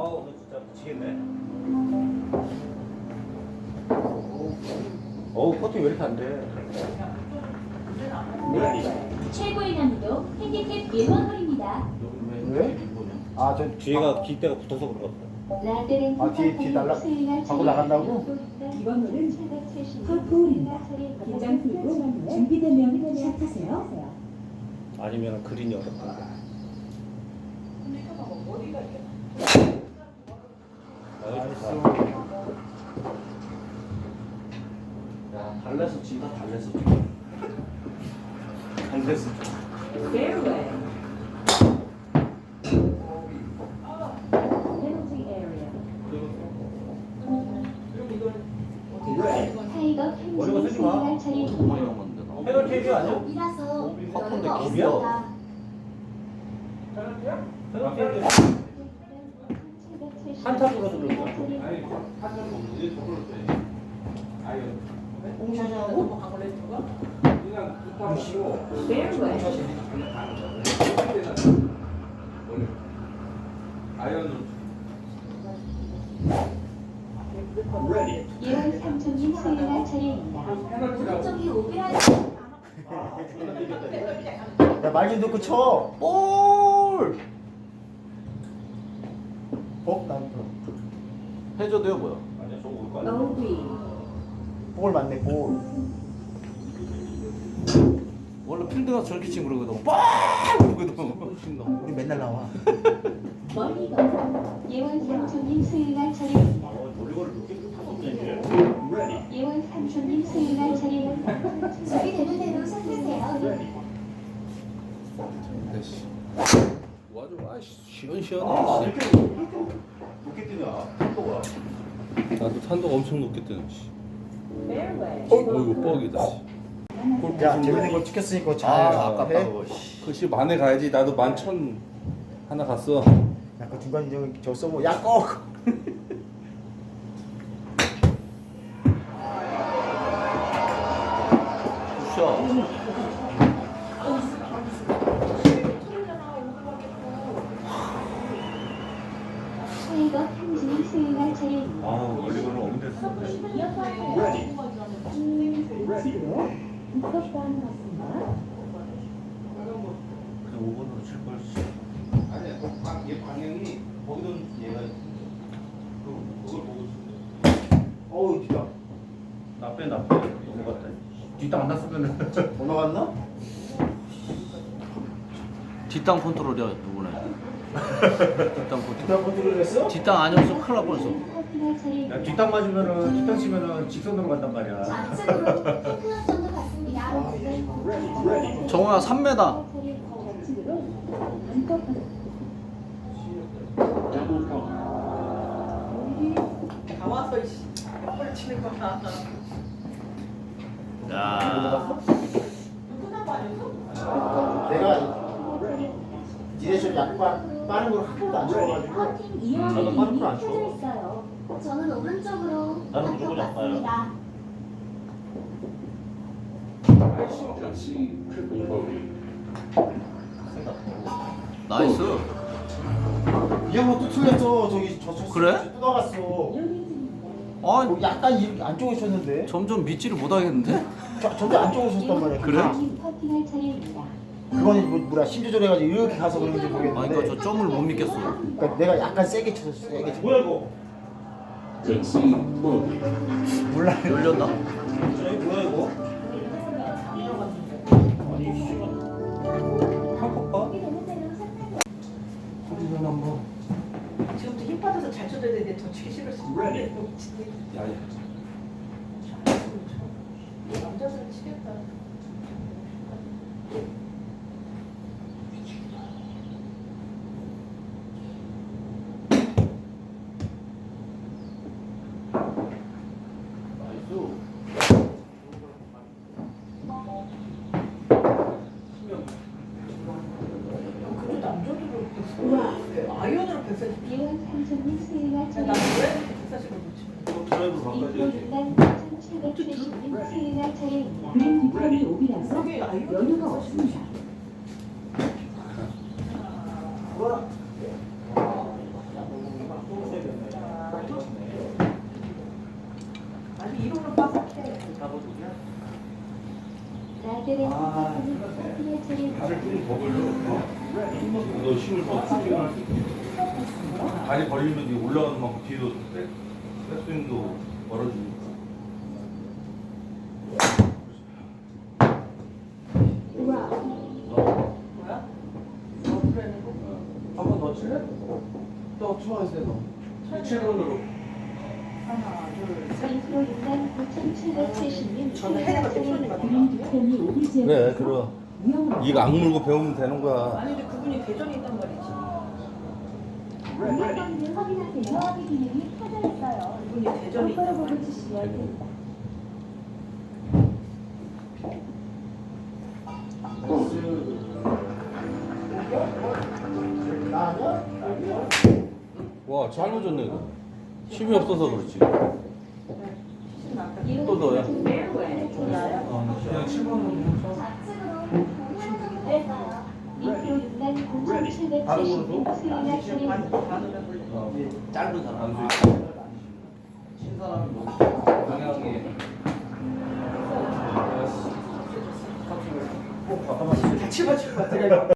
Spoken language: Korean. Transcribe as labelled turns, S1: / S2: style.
S1: 아우 너 진짜 미치겠네. 어우 퍼팅 왜 이렇게 안 돼?
S2: 최고의 난이도 핸디캡 1번 홀입니다.
S3: 왜? 아, 저
S1: 뒤에가 기대가 붙어서 그런 것 같아.
S3: 아, 뒤 밖으로 나간다고?
S2: 이번 홀은 퍼프홀입니다. 긴장 풀고 준비되면 시작하세요.
S1: 아니면 그린이 어렵다. 야 달래서 진다 달래서. 달래서.
S2: Fairway. Penalty area.
S4: 타이거
S1: 어려워,
S4: 펜싱
S1: 쓰지 마.
S4: 수행할 차례입니다.
S1: 페널티 헤드 아니야?
S4: 이라서
S1: 퍼프인데
S4: 여유가
S1: 길이야?
S4: 없습니다.
S1: 페널티 헤드. 한타 불어서 그런 거야.
S2: Fairway.
S4: 예원 삼촌님 수행할 차례입니다.
S2: 오른쪽이 오비라.
S3: 야, 말 좀 듣고 쳐. 볼! 난
S1: 해줘도요 뭐야? 아니야 저거 올 거야.
S2: 오비.
S3: 볼 맞네, 볼.
S1: 원래 필드가 저렇게 치면 그러거든. 빡! 그러거든.
S3: 우리 맨날 나와.
S2: 멀리가.
S4: 예원 삼촌님 수행할 차례입니다.
S1: 놀이거를 이렇게 타서
S4: 예원 삼촌님 수행할 차례입니다.
S2: 준비되는 대로 손드세요.
S5: 됐어. 와줘, 시원시원해. 씨.
S1: 높게 뛰냐? 속도가.
S5: 나도 탄도가 엄청 높게 뜨네. 씨.
S2: Fairway.
S5: 이거 뻑이다.
S3: 야, 재밌는 거 찍혔으니까 잘
S1: 아깝다
S3: 해.
S1: 그거.
S5: 그시 만에 가야지. 나도 11,000 하나 갔어.
S3: 야, 그 중간 저 써보. 야, 꼭!
S1: 굿샷.
S4: 타이거 펜싱 수행할 차례입니다.
S1: 아 놀이거를 없는데 그냥 5번으로 칠 걸.
S5: 아니야, 얘 방향이 거기는 얘가 그걸 보고 있어.
S3: 어우, 진짜.
S1: 나빼 넘어갔다. 뒷땅 안 났으면은.
S3: 올라갔나?
S6: 뒷땅 컨트롤이야 이번에. 뒷땅 컨트롤.
S3: 뒷땅 컨트롤 했어?
S6: 뒷땅 아니었으면 큰일 날 뻔했어.
S4: 퍼팅할 차례입니다.
S1: 야 뒷땅 맞으면은 뒷땅 치면은 직선으로 간단 말이야.
S2: 좌측으로 클럽점도 갔습니다.
S6: 정우야 3m.
S7: 다 와서 이씨 몇 치는 거야.
S6: 야.
S7: 끝난 거 아니었어?
S3: 내가 디레이션 약간 빠른 걸 한 번도 안 쳐가지고.
S2: 퍼팅
S1: 나도
S2: 이용이
S1: 빠른
S2: 이미
S1: 걸안 쳐.
S2: 켜져 있어요. 저는 오른쪽으로
S1: 나는 무조건
S2: 갔습니다.
S6: 나이스.
S3: 이 형은 또 틀렸어. 저기
S6: 그래?
S3: 또 나갔어.
S6: 아,
S3: 약간 이렇게 안쪽에 쳤는데.
S6: 점점 믿지를 못하겠는데?
S3: 전대 안쪽에 쳤단 말이야.
S6: 그래?
S4: 퍼팅할 차례입니다.
S3: 그거는 뭐라 심조절 해가지고 이렇게 가서 그런지
S6: 아,
S3: 모르겠는데.
S6: 그러니까 저 점을 못 믿겠어.
S3: 그러니까 내가 약간 세게 쳤어. 세게 쳤어.
S1: 뭐야 이거?
S3: 몰라.
S6: 열렸나?
S1: 저기 뭐야 이거? 아니 씨발. 한컵
S5: 소리는 한번.
S7: 지금부터 힘 빠져서 잘 쳐줘야 되는데 더 치기 싫었어.
S5: 야,
S7: 남자들은 치겠다. 그래도 남자들은 아이언으로 140.
S4: 예원 삼촌님 수행할
S7: 나는
S4: 차례입니다.
S7: 왜 140을 못 치는 거야?
S1: 드라이브 바꿔야지.
S4: 이호준단 1770님 수행할 차례입니다.
S2: 그린 뒷판이 오비라서
S7: 그게 아이언으로
S2: 여유가
S7: 140을
S2: 없습니다.
S4: 라데렌 스테파니 커팅할 차례입니다.
S5: 발을 좀더 벌려. 너 힘을 더 줄게. 발이 벌리면 네 올라가는 만큼 뒤로 돼. 백스윙도 멀어지니까.
S7: 뭐야? 그랬는 거?
S1: 한 번 더 칠래? 또 추가하세요 너. 7번으로.
S7: 하나, 둘, 셋.
S4: 인프로 6만 9,770님
S7: 저는 해내가
S4: 차례입니다.
S5: 그래, 들어. 이거 악물고 배우면 되는 거야.
S7: 아니 근데 그분이 대전에 있단 말이지.
S4: 운영권을 확인하세요. 확인 기능이 켜져 있어요.
S7: 그분이 대전에
S4: 똑바로
S7: 있단
S4: 보고
S7: 말이지.
S4: 주시면 됩니다.
S5: 와, 잘 놓쳤네, 이거. 힘이 없어서 그렇지.
S1: 또 넣어요?
S5: 그냥 7번으로.
S2: 좌측으로 공간을 했어요.
S4: 인프로 6만 9,770님 수행할 차례입니다.
S7: 반으로 불려.
S1: 짧은 사람. 신사람이 뭐 방향에
S7: 같이 맞출 것 같아.